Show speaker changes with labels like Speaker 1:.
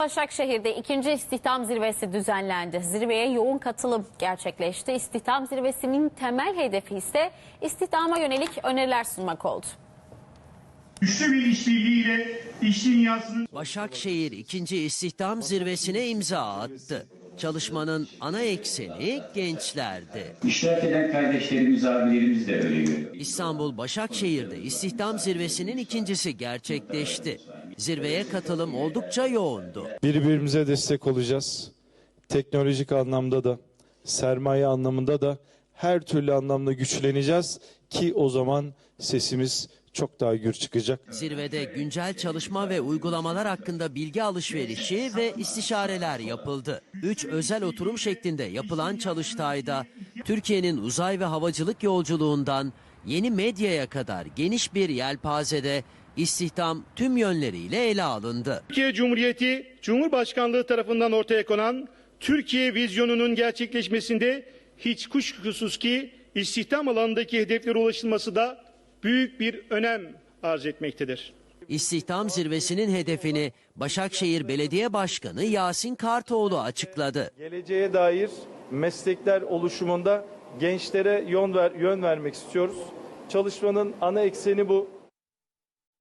Speaker 1: Başakşehir'de 2. istihdam zirvesi düzenlendi. Zirveye yoğun katılım gerçekleşti. İstihdam zirvesinin temel hedefi ise istihdama yönelik öneriler sunmak oldu.
Speaker 2: Güçlü bir işbirliğiyle iş dünyasının...
Speaker 3: Başakşehir 2. istihdam zirvesine imza attı. Çalışmanın ana ekseni gençlerdi.
Speaker 4: İştirak eden kardeşlerimiz, abilerimiz de öyle görüyor.
Speaker 3: İstanbul Başakşehir'de istihdam zirvesinin ikincisi gerçekleşti. Zirveye katılım oldukça yoğundu.
Speaker 5: Birbirimize destek olacağız. Teknolojik anlamda da, sermaye anlamında da her türlü anlamda güçleneceğiz ki o zaman sesimiz çok daha gür çıkacak.
Speaker 3: Zirvede güncel çalışma ve uygulamalar hakkında bilgi alışverişi ve istişareler yapıldı. 3 özel oturum şeklinde yapılan çalıştayda Türkiye'nin uzay ve havacılık yolculuğundan yeni medyaya kadar geniş bir yelpazede istihdam tüm yönleriyle ele alındı.
Speaker 2: Türkiye Cumhuriyeti Cumhurbaşkanlığı tarafından ortaya konan Türkiye vizyonunun gerçekleşmesinde hiç kuşkusuz ki istihdam alanındaki hedeflere ulaşılması da büyük bir önem arz etmektedir.
Speaker 3: İstihdam zirvesinin hedefini Başakşehir Belediye Başkanı Yasin Kartoğlu açıkladı.
Speaker 5: Geleceğe dair meslekler oluşumunda gençlere yön vermek istiyoruz. Çalışmanın ana ekseni bu.